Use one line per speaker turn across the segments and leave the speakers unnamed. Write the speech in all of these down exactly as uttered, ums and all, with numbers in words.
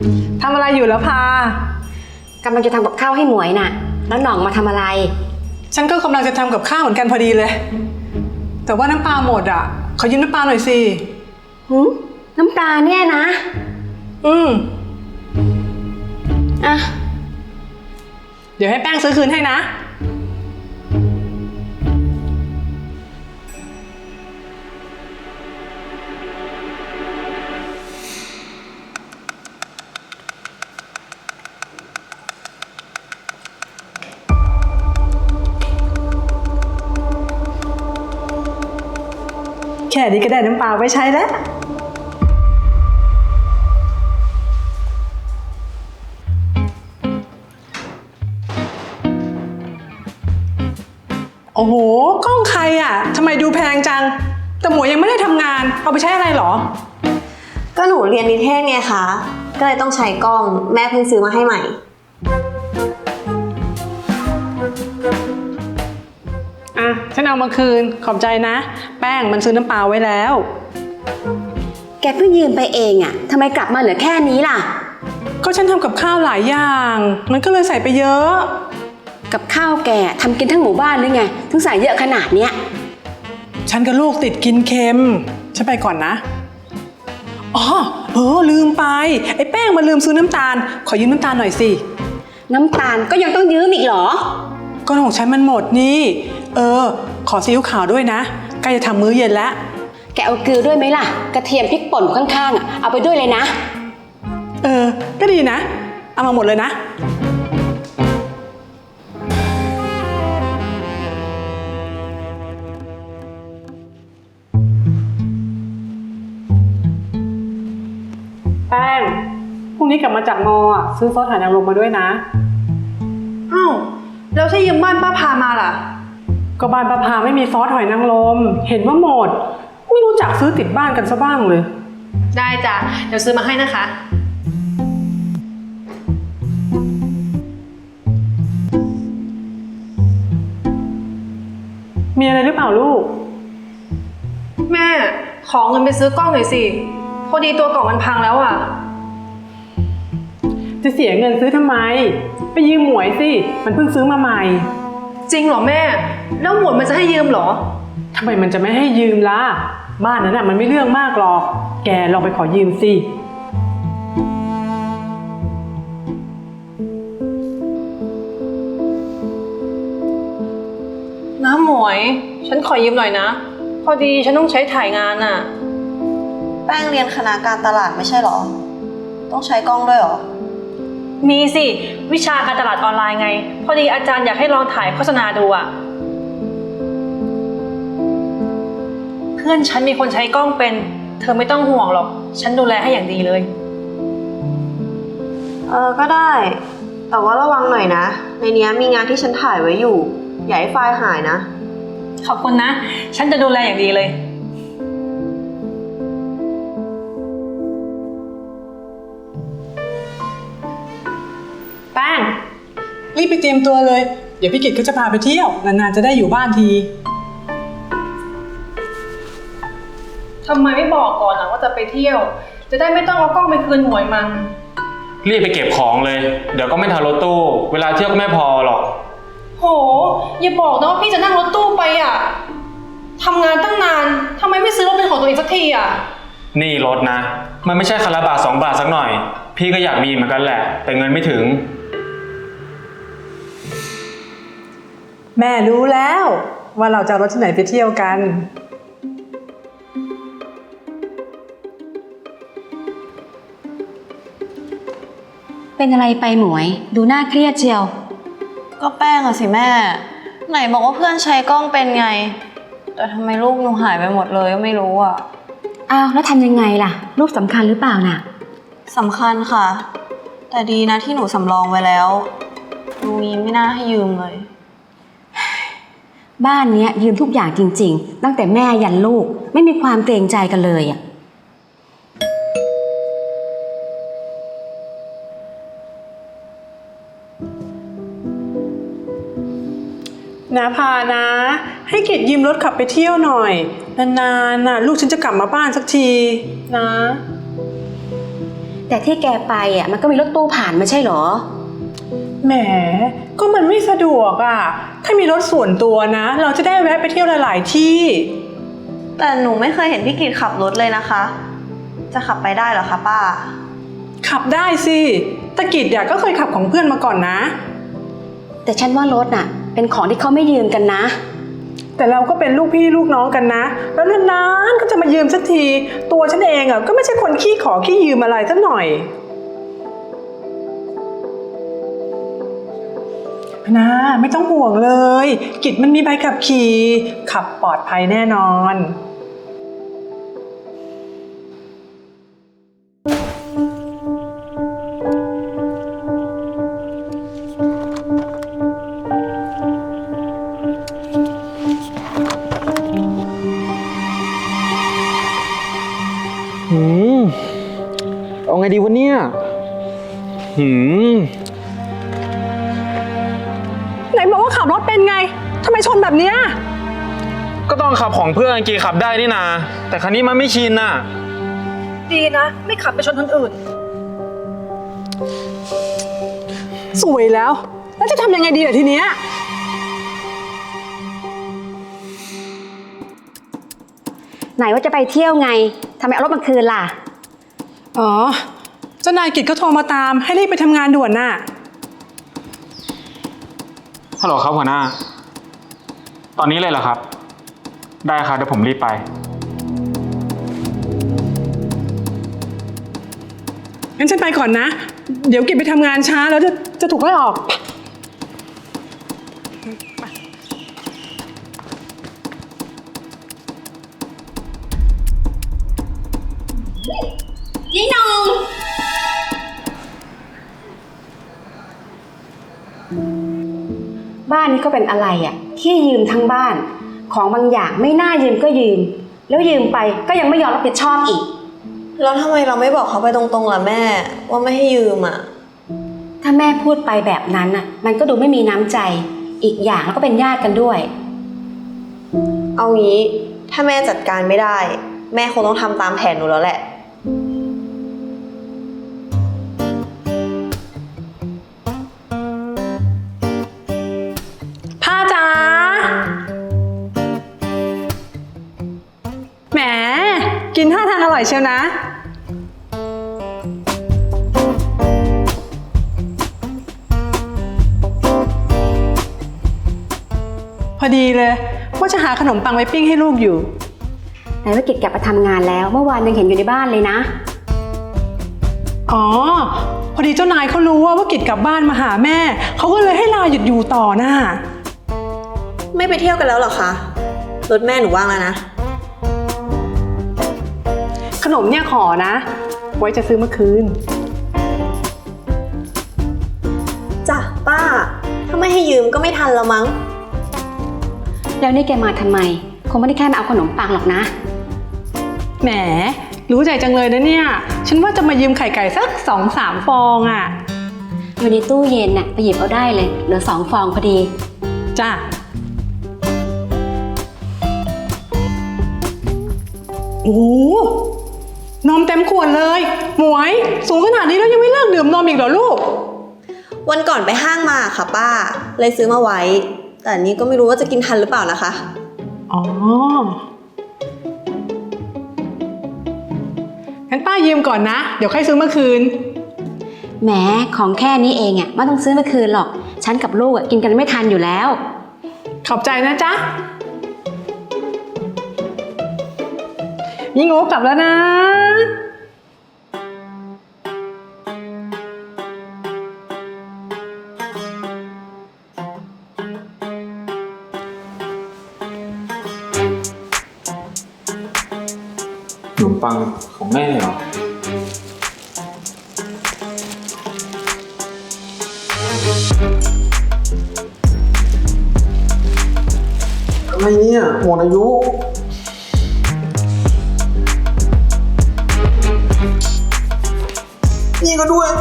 ทำอะไรอยู่แล้วพาก
ำลังจะทำกับข้าวให้หมวยน่ะแล้วหน่องมาทำอะไร
ฉันก็กำลังจะทำกับข้าวเหมือนกันพอดีเลย แต่ว่าน้ำปลาหมดอ่ะขอยืมน้ำปลาหน่อยสิ
หืมน้ำปลาเนี่ยนะ
อืม
อ่ะ
เดี๋ยวให้แป้งซื้อคืนให้นะแค่นี้ก็ได้น้ำปลาไว้ใช้แล้วโอ้โหกล้องใครอ่ะทำไมดูแพงจังแต่หมวยยังไม่ได้ทำงานเอาไปใช้อะไรหรอ
ก็หนูเรียนนิเทศไงคะก็เลยต้องใช้กล้องแม่เพิ่งซื้อมาให้ใหม่
อ่ะฉันเอามาคืนขอบใจนะแป้งมันซื้อน้ำปลาไว้แล้ว
แกเพิ่งยืมไปเองอ่ะทำไมกลับมาเหลือแค่นี้ล่ะ
ก็ฉันทำกับข้าวหลายอย่างมันก็เลยใส่ไปเยอะ
กับข้าวแกทำกินทั้งหมู่บ้านหรือไงถึงใส่เยอะขนาดเนี้ย
ฉันกับลูกติดกินเค็มฉันไปก่อนนะอ๋อเออลืมไปไอ้แป้งมันลืมซื้อน้ำตาลขอยืมน้ำตาลหน่อยสิ
น้ำตาลก็ยังต้องยืมอีกเหรอ
ก็ของฉันมันหมดนี่เออขอซีอิ๊วขาวด้วยนะใกล้จะทำมื้อเย็นแล้ว
แกเอาเกลือด้วยไหมล่ะกระเทียมพริกป่นข้างๆอ่ะเอาไปด้วยเลยนะ
เออก็ดีนะเอามาหมดเลยนะแป้งพรุ่งนี้กลับมาจากมออ่ะซื้อซอสหอยนางรมมาด้วยนะ
อ้าวแล้วถ้ายืมบ้านป้าพามาล่ะ
ก็บ้านป้าพาไม่มีซอสหอยนางรมเห็นว่าหมดไม่รู้จักซื้อติดบ้านกันซะบ้างเลย
ได้จ้ะเดี๋ยวซื้อมาให้นะคะ
มีอะไรหรือเปล่าลูก
แม่ขอเงินไปซื้อกล้องหน่อยสิพอดีตัวกล่องมันพังแล้วอ่ะ
จะเสียเงินซื้อทำไมไปยืมหมวยสิมันเพิ่งซื้อมาใหม่
จริงเหรอแม่แล้วหมวยมันจะให้ยืมเหรอ
ทำไมมันจะไม่ให้ยืมล่ะบ้านนั้นน่ะมันไม่เรื่องมากหรอกแกลองไปขอยืมสิ
น้าหมวยฉันขอยืมหน่อยนะพอดีฉันต้องใช้ถ่ายงานน่ะ
แป้งเรียนคณะการตลาดไม่ใช่หรอต้องใช้กล้องด้วยหรอ
มีสิวิชาการตลาดออนไลน์ไงพอดีอาจารย์อยากให้ลองถ่ายโฆษณาดูอ่ะเพื่อนฉันมีคนใช้กล้องเป็นเธอไม่ต้องห่วงหรอกฉันดูแลให้อย่างดีเลย
เออก็ได้แต่ว่าระวังหน่อยนะในนี้มีงานที่ฉันถ่ายไว้อยู่อย่าให้ไฟล์หายนะ
ขอบคุณนะฉันจะดูแลอย่างดีเลย
แป้งรีบไปเตรียมตัวเลยเดี๋ยวพี่กิตก็จะพาไปเที่ยวนานๆจะได้อยู่บ้านที
ทำไมไม่บอกก่อนนะว่าจะไปเที่ยวจะได้ไม่ต้องเอากล้องไปคืนหมวยมัน
รีบไปเก็บของเลยเดี๋ยวก็ไม่ทันรถตู้เวลาเที่ยวก็ไม่พอหรอก
โหอย่าบอกนะว่าพี่จะนั่งรถตู้ไปอ่ะทำงานตั้งนานทำไมไม่ซื้อรถเป็นของตัวเองสักทีอ่ะ
นี่รถนะมันไม่ใช่คันละบาทสองบาทสักหน่อยพี่ก็อยากมีเหมือนกันแหละแต่เงินไม่ถึง
แม่รู้แล้วว่าเราจะเอารถที่ไหนไปเที่ยวกัน
เป็นอะไรไปหมวยดูน่าเครียดเชียว
ก็แป้งอะสิแม่ไหนบอกว่าเพื่อนใช้กล้องเป็นไงแต่ทำไมรูปหนูหายไปหมดเลยก็ไม่รู้อะ
อ้าวแล้วทำยังไงล่ะรูปสำคัญหรือเปล่าน่ะ
สำคัญค่ะแต่ดีนะที่หนูสำรองไว้แล้วลุงนี้ไม่น่าให้ยืมเลย
บ้านนี้ยืมทุกอย่างจริงๆตั้งแต่แม่ยันลูกไม่มีความเกรงใจกันเลยอ่ะ
นะพานะให้กิตยืมรถขับไปเที่ยวหน่อยนานๆน่ะลูกฉันจะกลับมาบ้านสักทีนะ
แต่ที่แกไปอ่ะมันก็มีรถตู้ผ่านไม่ใช่เหรอ
แหม ก็มันไม่สะดวกอ่ะ ถ้ามีรถส่วนตัวนะ เราจะได้แวะไปเที่ยวหลายๆที่
แต่หนูไม่เคยเห็นพี่กิตขับรถเลยนะคะ จะขับไปได้เหรอคะป้า
ขับได้สิตะกิดเนี่ยก็เคยขับของเพื่อนมาก่อนนะ
แต่ฉันว่ารถน่ะ เป็นของที่เขาไม่ยืมกันนะ
แต่เราก็เป็นลูกพี่ลูกน้องกันนะ แล้วนานๆก็จะมายืมสักที ตัวฉันเองอ่ะก็ไม่ใช่คนขี้ขอขี้ยืมอะไรสักหน่อยนะไม่ต้องห่วงเลย กิจมันมีใบขับขี่ขับปลอดภัยแน่นอน
หืมเอาไงดีวะเนี่ยหืม
ไหนบอกว่าขับรถเป็นไงทำไมชนแบบเนี้ย
ก็ต้องขับของเพื่อนกีขับได้นี่นาแต่คันนี้มันไม่ชินน่ะ
ดีนะ ไม่ขับไปชนคนอื่น
สวยแล้ว แล้วจะทำยังไงดีล่ะทีเนี้ย
ไหนว่าจะไปเที่ยวไงทำไมเอารถมาคืนล่ะ
อ๋อ เจ้านายกิจก็โทรมาตามให้รีบไปทำงานด่วนน่ะ
ฮัลโหลครับหัวหน้า ตอนนี้เลยเหรอครับ ได้ครับเดี๋ยวผมรีบไป
งั้นฉันไปก่อนนะ เดี๋ยวกิจไปทำงานช้าแล้วจะจะถูกไล่ออก
ยี่นงบ้านนี้ก็เป็นอะไรอ่ะที่ยืมทั้งบ้าน ของบางอย่างไม่น่ายืมก็ยืม แล้วยืมไปก็ยังไม่ยอมรับผิดชอบอีก
แล้วทำไมเราไม่บอกเขาไปตรงๆล่ะแม่ ว่าไม่ให้ยืมอ่ะ
ถ้าแม่พูดไปแบบนั้นน่ะ มันก็ดูไม่มีน้ำใจ อีกอย่างแล้วก็เป็นญาติกันด้วย
เอางี้ถ้าแม่จัดการไม่ได้ แม่คงต้องทำตามแผนหนูแล้วแหละ
ผ้าจ๋าแหม กินท่าทางอร่อยเชียวนะ พอดีเลยว่าจะหาขนมปังไว้ปิ้งให้ลูกอยู่
ไหนว่ากิจกลับมาทำงานแล้ว เมื่อวานยังเห็นอยู่ในบ้านเลยนะ
อ๋อ พอดีเจ้านายเขารู้ว่าว่ากิจกลับบ้านมาหาแม่ เขาก็เลยให้ลาหยุดอยู่ต่อน่ะ
ไม่ไปเที่ยวกันแล้วเหรอคะ รถแม่หนูว่างแล้วนะ
ขนมเนี่ยขอนะ ไว้จะซื้อเมื่อคืน
จ้ะป้า ถ้าไม่ให้ยืมก็ไม่ทันแล้วมั้ง
แล้วนี่แกมาทำไม คงไม่ได้แค่มาเอาขนมปังหรอกนะ
แหม รู้ใจจังเลยนะเนี่ย ฉันว่าจะมายืมไข่ไก่สักสองสามฟองอ่ะ
อยู่ในตู้เย็นน่ะไปหยิบเอาได้เลย เหลือสองฟองพอดี
จ้ะ โอ้โหนมเต็มขวดเลย หมวย สูงขนาดนี้แล้วยังไม่เลิกดื่มนมอีกเหรอลูก
วันก่อนไปห้างมาค่ะป้า เลยซื้อมาไว้ แต่อันนี้ก็ไม่รู้ว่าจะกินทันหรือเปล่านะคะ
อ๋อ งั้นป้ายืมก่อนนะ เดี๋ยวค่อยซื้อเมื่อคืน
แหมของแค่นี้เองอ่ะไม่ต้องซื้อมาคืนหรอก ฉันกับลูกอ่ะกินกันไม่ทันอยู่แล้ว
ขอบใจนะจ๊ะ ยิ่งโง่กลับแล้วนะ
ขนมปังของแม่เหรอ อะไรเนี่ยหมดอายุ นี่ก็ด้วย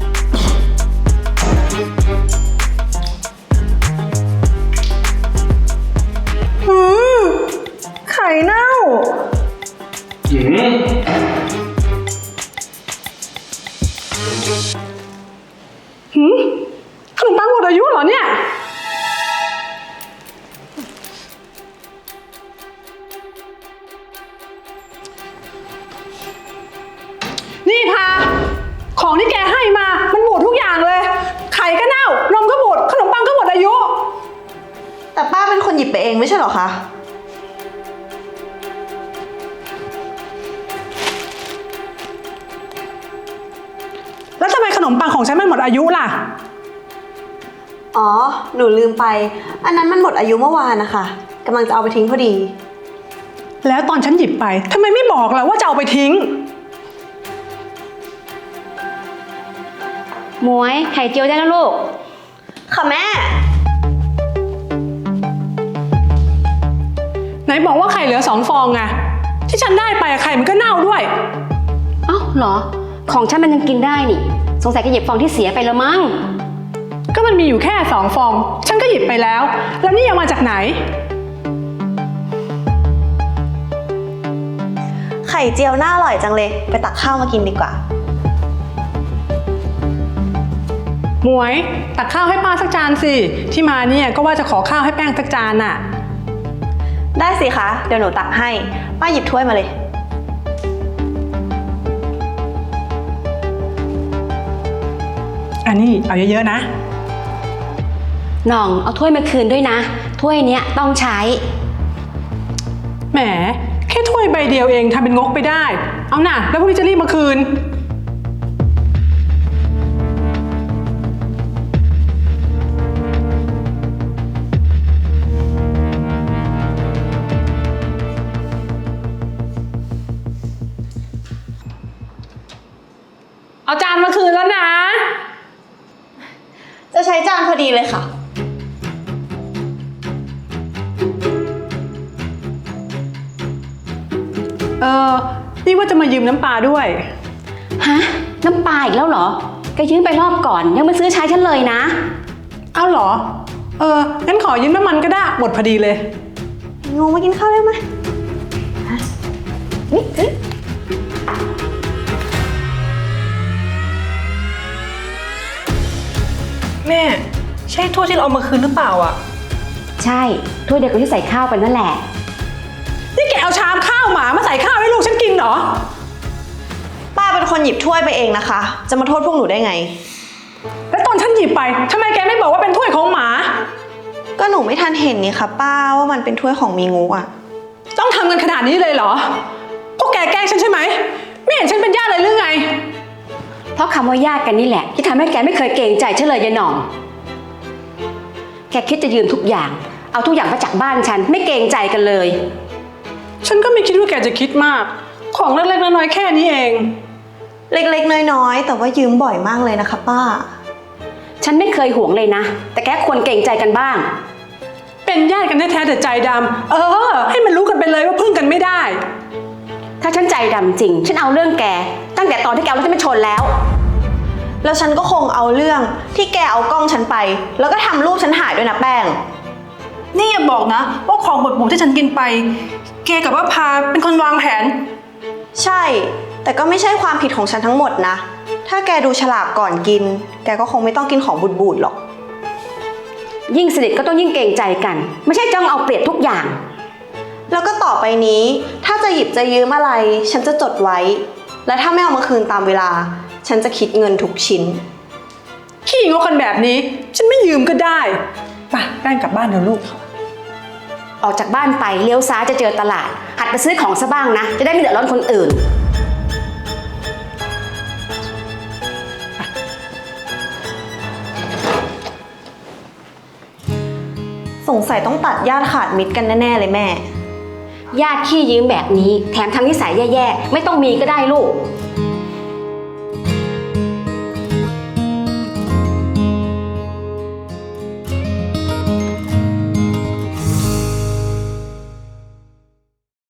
หืม ไข่เน่า
หืม
หืมขนมปังหมดอายุเหรอเนี่ย นี่พา ของที่แกให้มา มันบูดทุกอย่างเลย ไข่ก็เน่า นมก็บูด ขนมปังก็หมดอายุ
แต่ป้าเป็นคนหยิบไปเองไม่ใช่เหรอคะ
แล้วทำไมขนมปังของฉันมันหมดอายุล่ะ
อ๋อ หนูลืมไป อันนั้นมันหมดอายุเมื่อวานนะคะกำลังจะเอาไปทิ้งพอดี
แล้วตอนฉันหยิบไปทำไมไม่บอกล่ะว่าจะเอาไปทิ้ง
หมวยไข่เจียวได้แล้วลูก
ค่ะแม่
ไหนบอกว่าไข่เหลือสองฟองไงที่ฉันได้ไปอะไข่มันก็เน่าด้วย
เอ้าเหรอ ของฉันมันยังกินได้นี่ สงสัยจะหยิบฟองที่เสียไปแล้วมั้ง
ก็มันมีอยู่แค่สองฟอง ฉันก็หยิบไปแล้ว แล้วนี่ยังมาจากไหน
ไข่เจียวน่าอร่อยจังเลย ไปตักข้าวมากินดีกว่า
หมวยตักข้าวให้ป้าสักจานสิที่มาเนี่ยก็ว่าจะขอข้าวให้แป้งสักจานน่ะ
ได้สิคะ เดี๋ยวหนูตักให้ ป้าหยิบถ้วยมาเลย
อันนี้เอาเยอะๆนะ
น้องเอาถ้วยมาคืนด้วยนะ ถ้วยเนี้ยต้องใช้
แหมแค่ถ้วยใบเดียวเองทำเป็นงกไปได้ เอาน่ะแล้วพรุ่งนี้จะรีบมาคืน เอาจานมาคืนแล้วนะ
จะใช้จานพอดีเลยค่ะ
เออนี่ว่าจะมายืมน้ำปลาด้วย
ฮะ น้ำปลาอีกแล้วเหรอแกยืมไปรอบก่อนยังไม่ซื้อใช้ฉันเลยนะ
เอาเหรอ เอองั้นขอยืมน้ำมันก็ได้หมดพอดีเลย
งูมากินข้าวได้ไหมนี่นี่
แม่ ใช่ถ้วยที่เราเอามาคืนหรือเปล่าอ่ะ
ใช่ถ้วยเดียวกับที่ใส่ข้าวไปนั่นแหละ
นี่แกเอาชามข้าวหมามาใส่ข้าวให้ลูกฉันกินเหรอ
ป้าเป็นคนหยิบถ้วยไปเองนะคะ จะมาโทษพวกหนูได้ไง
แล้วตอนฉันหยิบไปทำไมแกไม่บอกว่าเป็นถ้วยของหมา
ก็หนูไม่ทันเห็นนี่ค่ะป้าว่ามันเป็นถ้วยของมีงูอ่ะ
ต้องทำกันขนาดนี้เลยเหรอ พวกแกแกล้งฉันใช่ไหม ไม่เห็นฉันเป็นญาติเลยหรือไง
เพราะคำว่าญาติกันนี่แหละที่ทำให้แกไม่เคยเกรงใจฉันเลยยายหน่อง แกคิดจะยืมทุกอย่าง เอาทุกอย่างมาจากบ้านฉันไม่เกรงใจกันเลย
ฉันก็ไม่คิดว่าแกจะคิดมาก ของเล็กๆน้อยๆแค่นี้เอง
เล็กๆน้อยๆแต่ว่ายืมบ่อยมากเลยนะคะป้า
ฉันไม่เคยห่วงเลยนะ แต่แกควรเกรงใจกันบ้าง
เป็นญาติกันแท้ๆแต่ใจดำเออ ให้มันรู้กันไปเลยว่าพึ่งกันไม่ได้
ถ้าฉันใจดำจริง ฉันเอาเรื่องแกตั้งแต่ตอนที่แกเอารถฉันมาชนแล้ว
แล้วฉันก็คงเอาเรื่องที่แกเอากล้องฉันไป แล้วก็ทำรูปฉันหายด้วยนะแป้ง
นี่อย่าบอกนะว่าของบดบูที่ฉันกินไป แกกับว่าพาเป็นคนวางแผน
ใช่ แต่ก็ไม่ใช่ความผิดของฉันทั้งหมดนะ ถ้าแกดูฉลากก่อนกิน แกก็คงไม่ต้องกินของบูดๆหรอก
ยิ่งสนิทก็ต้องยิ่งเกรงใจกัน ไม่ใช่จ้องเอาเปรียบทุกอย่าง
แล้วก็ต่อไปนี้ ถ้าจะหยิบจะยืมอะไร ฉันจะจดไว้ และถ้าไม่เอามาคืนตามเวลา ฉันจะคิดเงินทุกชิ้น
ขี้งกกันแบบนี้ ฉันไม่ยืมก็ได้ไปแป้งกลับบ้านเถอะลูก
ออกจากบ้านไปเลี้ยวซ้ายจะเจอตลาด หัดไปซื้อของซะบ้างนะ จะได้ไม่เดือดร้อนคนอื่น
สงสัยต้องตัดญาติขาดมิตรกันแน่ๆเลยแม่
ญาติขี้ยืมแบบนี้ แถมทำนิสัยแย่ๆ ไม่ต้องมีก็ได้ลูก